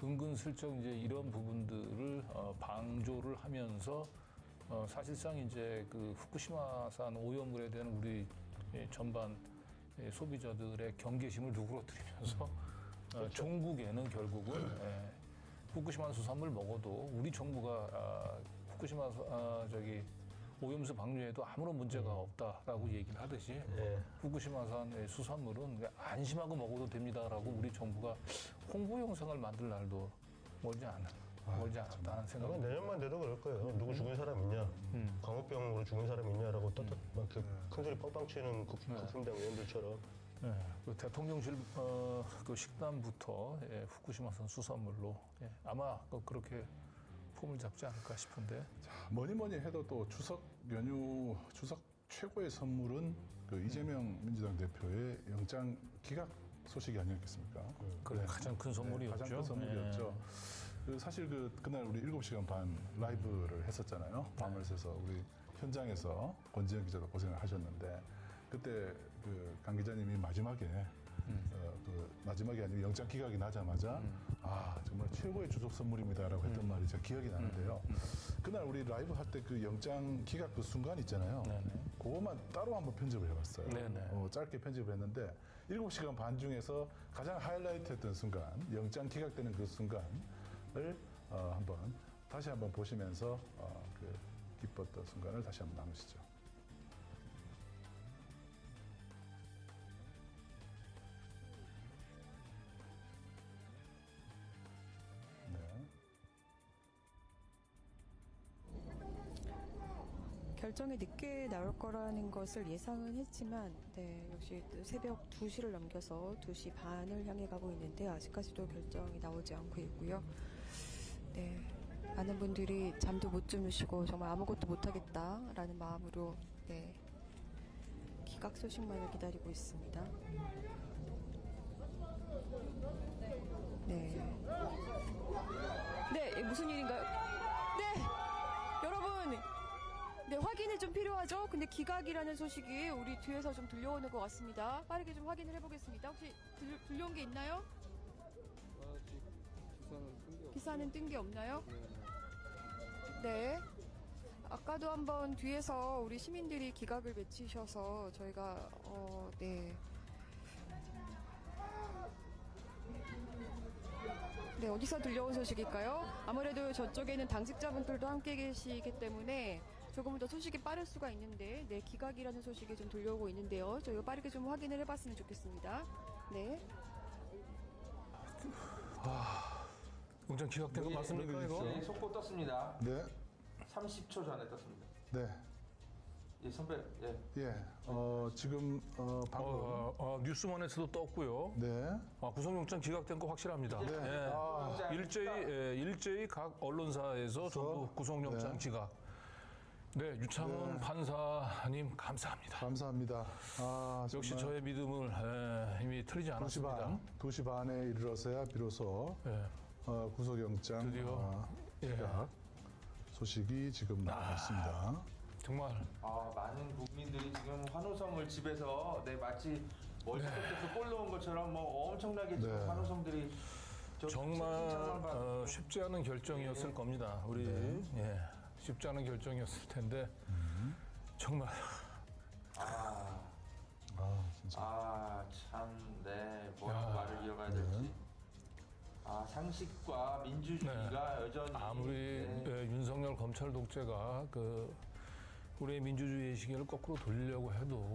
은근슬쩍 이제 이런 부분들을 방조를 하면서 사실상 이제 그 후쿠시마산 오염물에 대한 우리 전반 소비자들의 경계심을 누그러뜨리면서 종국에는 결국은 후쿠시마 수산물 먹어도 우리 정부가 후쿠시마 오염수 방류에도 아무런 문제가 없다라고 얘기를 하듯이 후쿠시마산 수산물은 안심하고 먹어도 됩니다라고 우리 정부가 홍보 영상을 만들 날도 멀지 않았다는 생각이 듭니다. 내년만 돼도 그럴 거예요. 누구 죽은 사람 있냐, 광우병으로 죽은 사람 있냐라고 막 큰 소리 뻥뻥 치는 국힘당 의원들처럼. 그 대통령실 그 식단부터 후쿠시마산 수산물로 아마 그렇게 폼을 잡지 않을까 싶은데. 뭐니 해도 또 추석 연휴, 추석 최고의 선물은 그 이재명 민주당 대표의 영장 기각 소식이 아니었겠습니까? 그래, 가장 큰 선물이었죠. 가장 큰 선물이었죠. 그 사실 그날 우리 7시간 반 라이브를 했었잖아요. 밤을 새서 우리 현장에서 권지현 기자도 고생을 하셨는데 그때 그 강 기자님이 마지막에 마지막에 아니면 영장 기각이 나자마자 정말 최고의 추석 선물입니다라고 했던 말이 제가 기억이 나는데요. 그날 우리 라이브 할 때 그 영장 기각 그 순간 있잖아요. 그것만 따로 한번 편집을 해봤어요. 짧게 편집을 했는데 7시간 반 중에서 가장 하이라이트 했던 순간, 영장 기각되는 그 순간을 다시 한번 보시면서 그 기뻤던 순간을 다시 한번 나누시죠. 결정이 늦게 나올 거라는 것을 예상은 했지만 역시 새벽 2시를 넘겨서 2시 반을 향해 가고 있는데 아직까지도 결정이 나오지 않고 있고요. 많은 분들이 잠도 못 주무시고 정말 아무것도 못하겠다라는 마음으로 기각 소식만을 기다리고 있습니다. 무슨 일인가요? 여러분! 확인이 좀 필요하죠? 근데 기각이라는 소식이 우리 뒤에서 좀 들려오는 것 같습니다. 빠르게 좀 확인을 해보겠습니다. 혹시 들려온 게 있나요? 기사는 뜬 게 없나요? 네. 아까도 한번 뒤에서 우리 시민들이 기각을 외치셔서 저희가 어디서 들려온 소식일까요? 아무래도 저쪽에는 당직자분들도 함께 계시기 때문에 조금 더 소식이 빠를 수가 있는데 기각이라는 소식이 좀 들려오고 있는데요. 저희가 빠르게 좀 확인을 해봤으면 좋겠습니다. 영장 기각된 거 맞습니까, 이거? 네, 속보 떴습니다. 네. 30초 전에 떴습니다. 네. 예, 선배. 지금 방금 뉴스원에서도 떴고요. 구속영장 기각된 거 확실합니다. 일제히 각 언론사에서 전부 구속영장 기각. 유창훈 판사님 감사합니다. 감사합니다. 역시 저의 믿음을 이미 틀리지 않았습니다. 2시 반에 이르러서야 비로소 구속영장 드디어 기각 소식이 지금 나오고 있습니다. 정말 많은 국민들이 지금 환호성을 집에서 마치 월드컵에서 골 넣은 것처럼 엄청나게 지금 환호성들이 정말 쉽지 않은 결정이었을 겁니다. 우리 쉽지 않은 결정이었을 텐데 정말 진짜. 뭐라고 말을 이어가야 될지. 상식과 민주주의가 여전히 아무리 윤석열 검찰 독재가 우리의 민주주의의 시계를 거꾸로 돌리려고 해도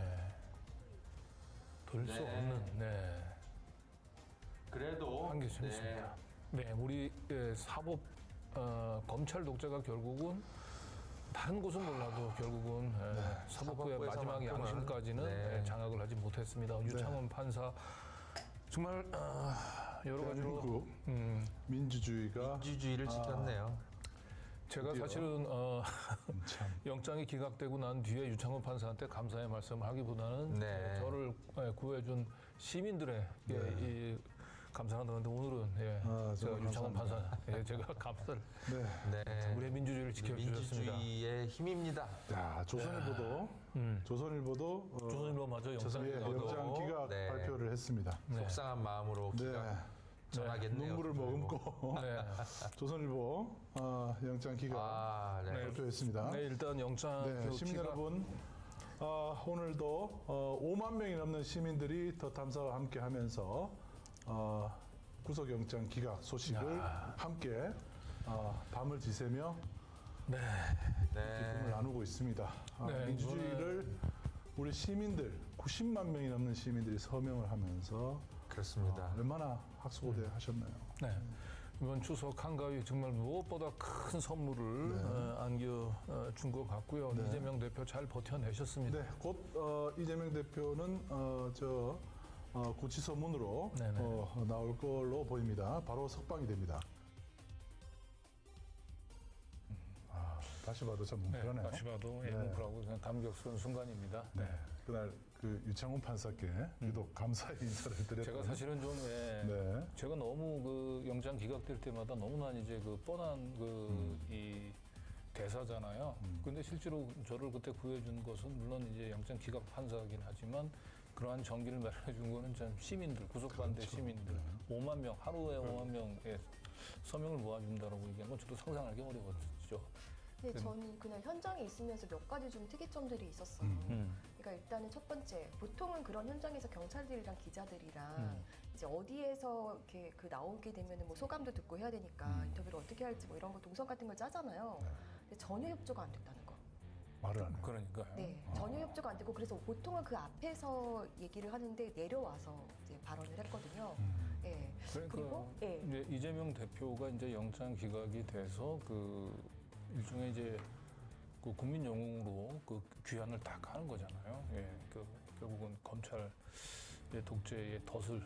돌릴 수 없는 그래도 한계점이 있습니다. 우리 사법 검찰 독재가 결국은 다른 곳은 몰라도 결국은 사법부의 마지막 양심까지는 장악을 하지 못했습니다. 유창훈 판사 정말 여러 가지로 민주주의를 지켰네요. 제가 사실은 영장이 기각되고 난 뒤에 유창훈 판사한테 감사의 말씀을 하기보다는 저를 구해준 시민들에게 이 감사를 하는데 오늘은 제가 유창훈 판사 제가 감사를 우리의 민주주의를 지켜주셨습니다. 민주주의의 힘입니다. 조선일보도 조선일보 맞아 영장 기각 발표를 했습니다. 속상한 마음으로 기각. 전하겠네요. 눈물을 머금고 네. 조선일보 영장 기각 네. 발표했습니다. 네, 일단 영장 네, 시민 기각- 여러분, 오늘도 5만 명이 넘는 시민들이 더 탐사와 함께하면서 구속영장 기각 소식을 함께 밤을 지새며 기쁨을 나누고 있습니다. 네, 민주주의를 우리 시민들 90만 명이 넘는 시민들이 서명을 하면서 그렇습니다. 얼마나 학수고대 하셨나요? 네. 이번 추석 한가위 정말 무엇보다 큰 선물을 안겨준 것 같고요. 이재명 대표 잘 버텨내셨습니다. 네, 곧 이재명 대표는 구치소문으로 네네. 나올 걸로 보입니다. 바로 석방이 됩니다. 다시 봐도 참 뭉클하네요. 다시 봐도 뭉클하고 그냥 감격스러운 순간입니다. 네, 그날 그 유창훈 판사께 유독 감사의 인사를 드렸던. 제가 사실은 좀 네. 제가 너무 그 영장 기각될 때마다 너무나 이제 그 뻔한 이 대사잖아요. 근데 실제로 저를 그때 구해준 것은 물론 이제 영장 기각 판사이긴 하지만 그러한 정기를 마련해준 거는 참 시민들, 구속반대 그렇죠. 시민들, 5만 명, 하루에 5만 명의 서명을 모아준다라고 얘기한 건 저도 상상하기 어려웠죠. 네, 저는 그날 현장에 있으면서 몇 가지 좀 특이점들이 있었어요. 그러니까 일단은 첫 번째, 보통은 그런 현장에서 경찰들이랑 기자들이랑 이제 어디에서 이렇게 그 나오게 되면은 뭐 소감도 듣고 해야 되니까 인터뷰를 어떻게 할지 뭐 이런 거 동선 같은 걸 짜잖아요. 근데 전혀 협조가 안 됐다는 거. 말을 안 해요. 그러니까요. 네, 전혀 협조가 안 되고 그래서 보통은 그 앞에서 얘기를 하는데 내려와서 이제 발언을 했거든요. 예. 그러니까 그리고 예. 이제 이재명 대표가 이제 영장 기각이 돼서 그 일종의 이제 그 국민 영웅으로 그 귀환을 다 가는 거잖아요. 예, 그 결국은 검찰 독재의 덫을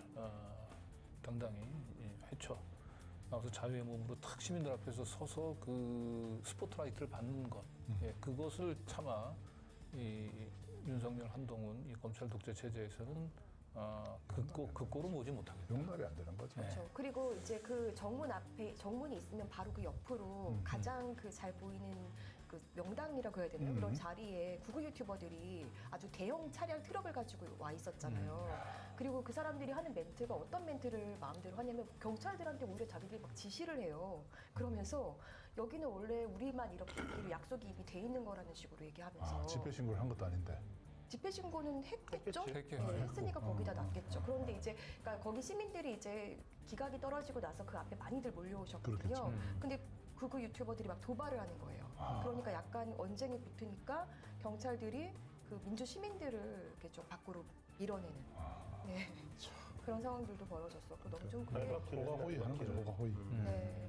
당당히 헤쳐 나와서 자유의 몸으로 탁 시민들 앞에서 서서 그 스포트라이트를 받는 것, 예, 그것을 차마 이 윤석열, 한동훈 이 검찰 독재 체제에서는 그 꼴은 오지 못하겠다. 용납이 안 되는 거죠. 그렇죠. 그리고 이제 그 정문 앞에 정문이 있으면 바로 그 옆으로 가장 그 잘 보이는 그 명당이라고 해야 되나요? 그런 자리에 구구 유튜버들이 아주 대형 차량 트럭을 가지고 와 있었잖아요. 그리고 그 사람들이 하는 멘트가 어떤 멘트를 마음대로 하냐면 경찰들한테 오히려 자기들이 막 지시를 해요. 그러면서 여기는 원래 우리만 이렇게 있기로 약속이 이미 돼 있는 거라는 식으로 얘기하면서 집회 신고를 한 것도 아닌데. 집회 신고는 했겠죠? 했겠죠. 네, 했으니까 거기다 놨겠죠. 그런데 이제 그러니까 거기 시민들이 이제 기각이 떨어지고 나서 그 앞에 많이들 몰려오셨거든요. 그렇겠죠. 근데 그 유튜버들이 막 도발을 하는 거예요. 그러니까 약간 언쟁이 붙으니까 경찰들이 그 민주 시민들을 이렇게 좀 밖으로 밀어내는 네. 그런 상황들도 벌어졌었고 너무 좀 그게 호가호위 하는 거죠. 호가호위. 네.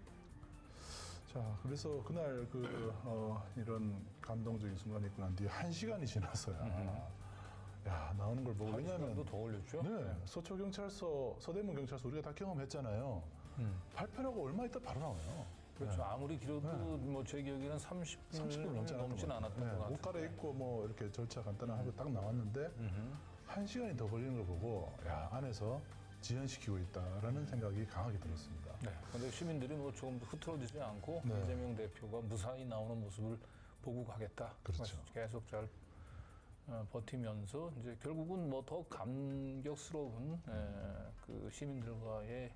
자, 그래서 그날 이런 감동적인 순간이 있고 난 뒤에 1시간이 지났어요. 야, 나오는 걸 보고. 왜냐하면 더 올렸죠. 네, 서초경찰서, 서대문 경찰서 우리가 다 경험했잖아요. 발표하고 얼마 있다 바로 나와요. 그렇죠. 아무리 길어도 뭐 제 기억에는 30분 넘진 않았던 것 같아요. 옷 갈아입고 뭐 이렇게 절차 간단하게 딱 나왔는데 1시간이 더 걸리는 걸 보고 야, 안에서 지연시키고 있다라는 생각이 강하게 들었습니다. 네. 근데 시민들이 뭐 조금 더 흐트러지지 않고 네. 이재명 대표가 무사히 나오는 모습을 보고 가겠다. 그렇죠. 계속 잘 버티면서 이제 결국은 뭐 더 감격스러운 그 시민들과의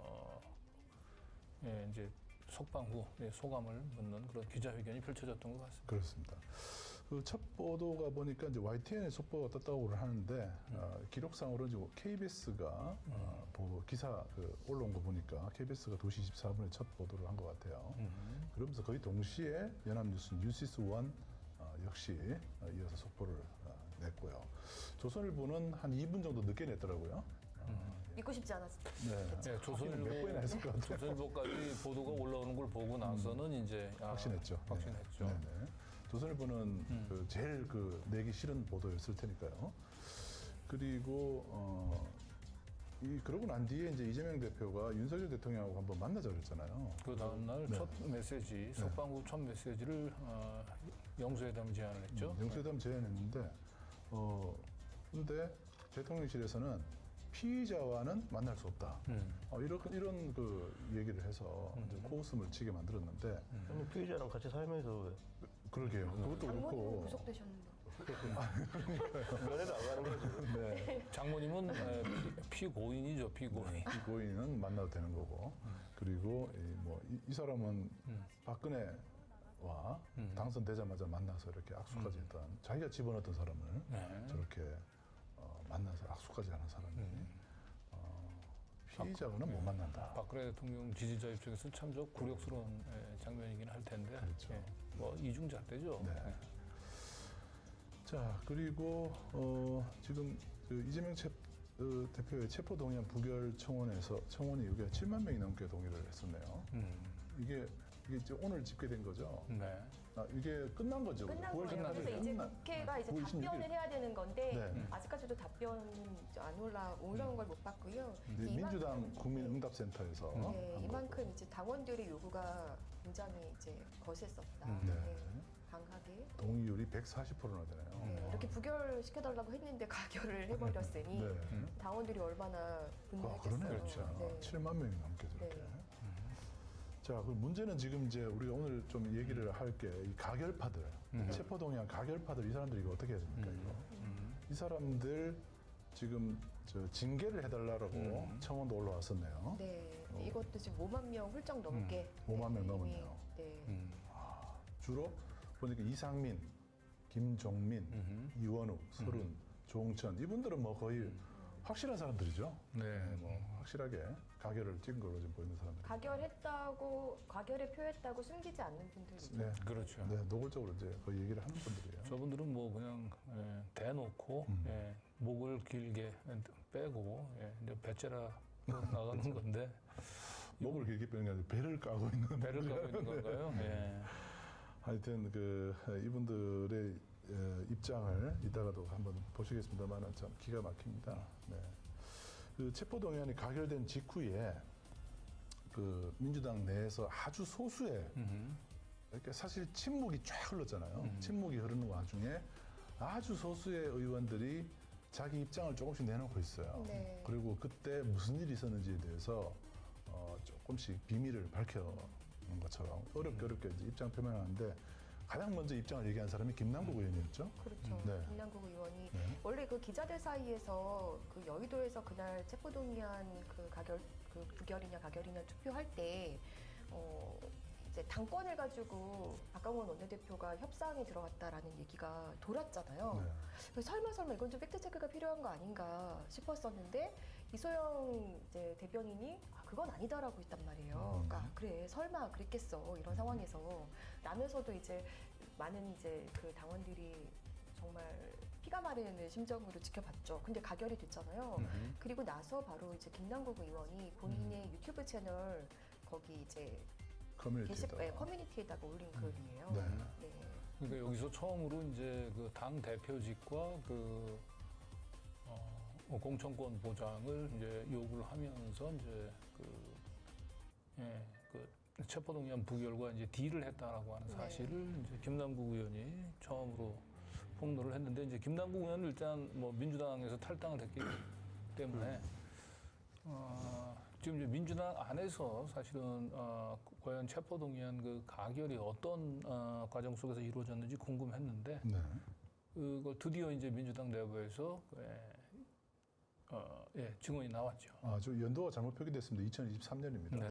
이제 석방 후 소감을 묻는 그런 기자회견이 펼쳐졌던 것 같습니다. 그렇습니다. 그 첫 보도가 보니까 이제 YTN의 속보가 떴다고 하는데 기록상으로 이제 KBS가 기사 올라온 거 보니까 KBS가 2시 24분에 첫 보도를 한 것 같아요. 그러면서 거의 동시에 연합뉴스 뉴시스1 역시 이어서 속보를 냈고요. 조선일보는 한 2분 정도 늦게 냈더라고요. 믿고 싶지 않았어요. 네. 네, 몇 번이나 했을 것 같아요. 조선일보까지 보도가 올라오는 걸 보고 나서는 이제 확신했죠. 확신했죠. 네. 조선일보는 제일 내기 싫은 보도였을 테니까요. 그리고 그러고 난 뒤에 이제 이재명 대표가 윤석열 대통령하고 한번 만나자 그랬잖아요. 그 다음날 첫 메시지, 석방 후 첫 메시지를 영수회담 제안을 했죠. 영수회담 제안했는데 근데 대통령실에서는 피의자와는 만날 수 없다. 이런 그 얘기를 해서 이제 코웃음을 치게 만들었는데 아니, 피의자랑 같이 살면서 왜? 그러게요. 그것도 장모님은 그렇고 구속되셨는데. 면회도 안 가는 거죠. 네. 장모님은 피고인이죠, 피고인. 피고인은 만나도 되는 거고. 그리고 이 사람은 박근혜와 당선되자마자 만나서 이렇게 악수까지 했던 자기가 집어넣었던 사람을 저렇게 만나서 악수까지 하는 사람이 피의자고는 못 만난다. 박근혜 대통령 지지자 입장에서는 참 저 굴욕스러운 장면이긴 할 텐데. 그렇죠. 뭐 이중잣대죠. 네. 자, 그리고 지금 그 이재명 대표의 체포동의안 부결 청원이 여기가 7만 명이 넘게 동의를 했었네요. 이게 이제 오늘 집계된 거죠? 네. 이게 끝난 거죠? 끝난 9월 거예요. 그래서 이제 국회가 이제 9월 26일. 답변을 해야 되는 건데 네. 아직까지도 답변 안 올라온 걸 못 봤고요. 네, 이만큼- 민주당 국민응답센터에서 네, 한 이만큼 거고. 이제 당원들의 요구가 굉장히 이제 거셌었다. 네. 강하게. 동의율이 140%나 되네요. 네, 이렇게 부결시켜달라고 했는데 가결을 해버렸으니 네. 당원들이 얼마나 분노했겠어요. 그러네요. 그렇죠. 네. 7만 명이 넘게 저렇게. 네. 자, 그 문제는 지금 이제 우리가 오늘 좀 얘기를 할 게 이 가결파들, 체포동의안 가결파들 이 사람들이 이거 어떻게 해야 됩니까, 이거? 이 사람들 지금 징계를 해달라고 청원도 올라왔었네요. 네, 이것도 지금 5만 명 훌쩍 넘게. 5만 명 이미, 넘었네요. 네. 주로 보니까 이상민, 김종민, 이원욱, 서른, 조홍천 이분들은 뭐 거의 확실한 사람들이죠. 네. 뭐 확실하게 가결을 찍은 걸로 지금 보이는 사람들. 가결에 표했다고 숨기지 않는 분들이죠. 네, 그렇죠. 네, 노골적으로 이제 거의 얘기를 하는 분들이에요. 저분들은 뭐 그냥 대놓고 목을 길게 빼고 이제 배째라 나가는 건데 목을 길게 빼는 게 아니라 배를 까고 있는 배를 까고 있는 건가요? 예. 하여튼 이분들의 입장을 이따가도 한번 보시겠습니다만 참 기가 막힙니다. 네. 그 체포동의안이 가결된 직후에 그 민주당 내에서 아주 소수의 이렇게 사실 침묵이 쫙 흘렀잖아요. 침묵이 흐르는 와중에 아주 소수의 의원들이 자기 입장을 조금씩 내놓고 있어요. 네. 그리고 그때 무슨 일이 있었는지에 대해서 조금씩 비밀을 밝혀는 것처럼 어렵게 이제 입장 표명하는데 가장 먼저 입장을 얘기한 사람이 김남국 의원이었죠. 그렇죠. 네. 김남국 의원이 네. 원래 그 기자들 사이에서 그 여의도에서 그날 체포동의안 그 부결이냐 가결이냐 투표할 때 이제 당권을 가지고 박강원 원내대표가 협상에 들어갔다라는 얘기가 돌았잖아요. 네. 그래서 설마 이건 좀 팩트 체크가 필요한 거 아닌가 싶었었는데 이소영 이제 대변인이 그건 아니다라고 했단 말이에요. 그러니까 그래 설마 그랬겠어 이런 상황에서 라면서도 이제 많은 이제 그 당원들이 정말 피가 마르는 심정으로 지켜봤죠. 근데 가결이 됐잖아요. 그리고 나서 바로 이제 김남국 의원이 본인의 유튜브 채널 거기 이제 커뮤니티에다가 올린 글이에요. 네. 네. 그러니까 여기서 처음으로 이제 그 당 대표직과 그 공천권 보장을 이제 요구를 하면서 이제 그 체포동의안 부결과 이제 딜을 했다라고 하는 사실을 이제 김남국 의원이 처음으로 폭로를 했는데 이제 김남국 의원은 일단 뭐 민주당에서 탈당을 했기 때문에 지금 이제 민주당 안에서 사실은 과연 체포동의안 그 가결이 어떤 과정 속에서 이루어졌는지 궁금했는데 네. 그걸 드디어 이제 민주당 내부에서 증언이 나왔죠. 저 연도가 잘못 표기됐습니다. 2023년입니다.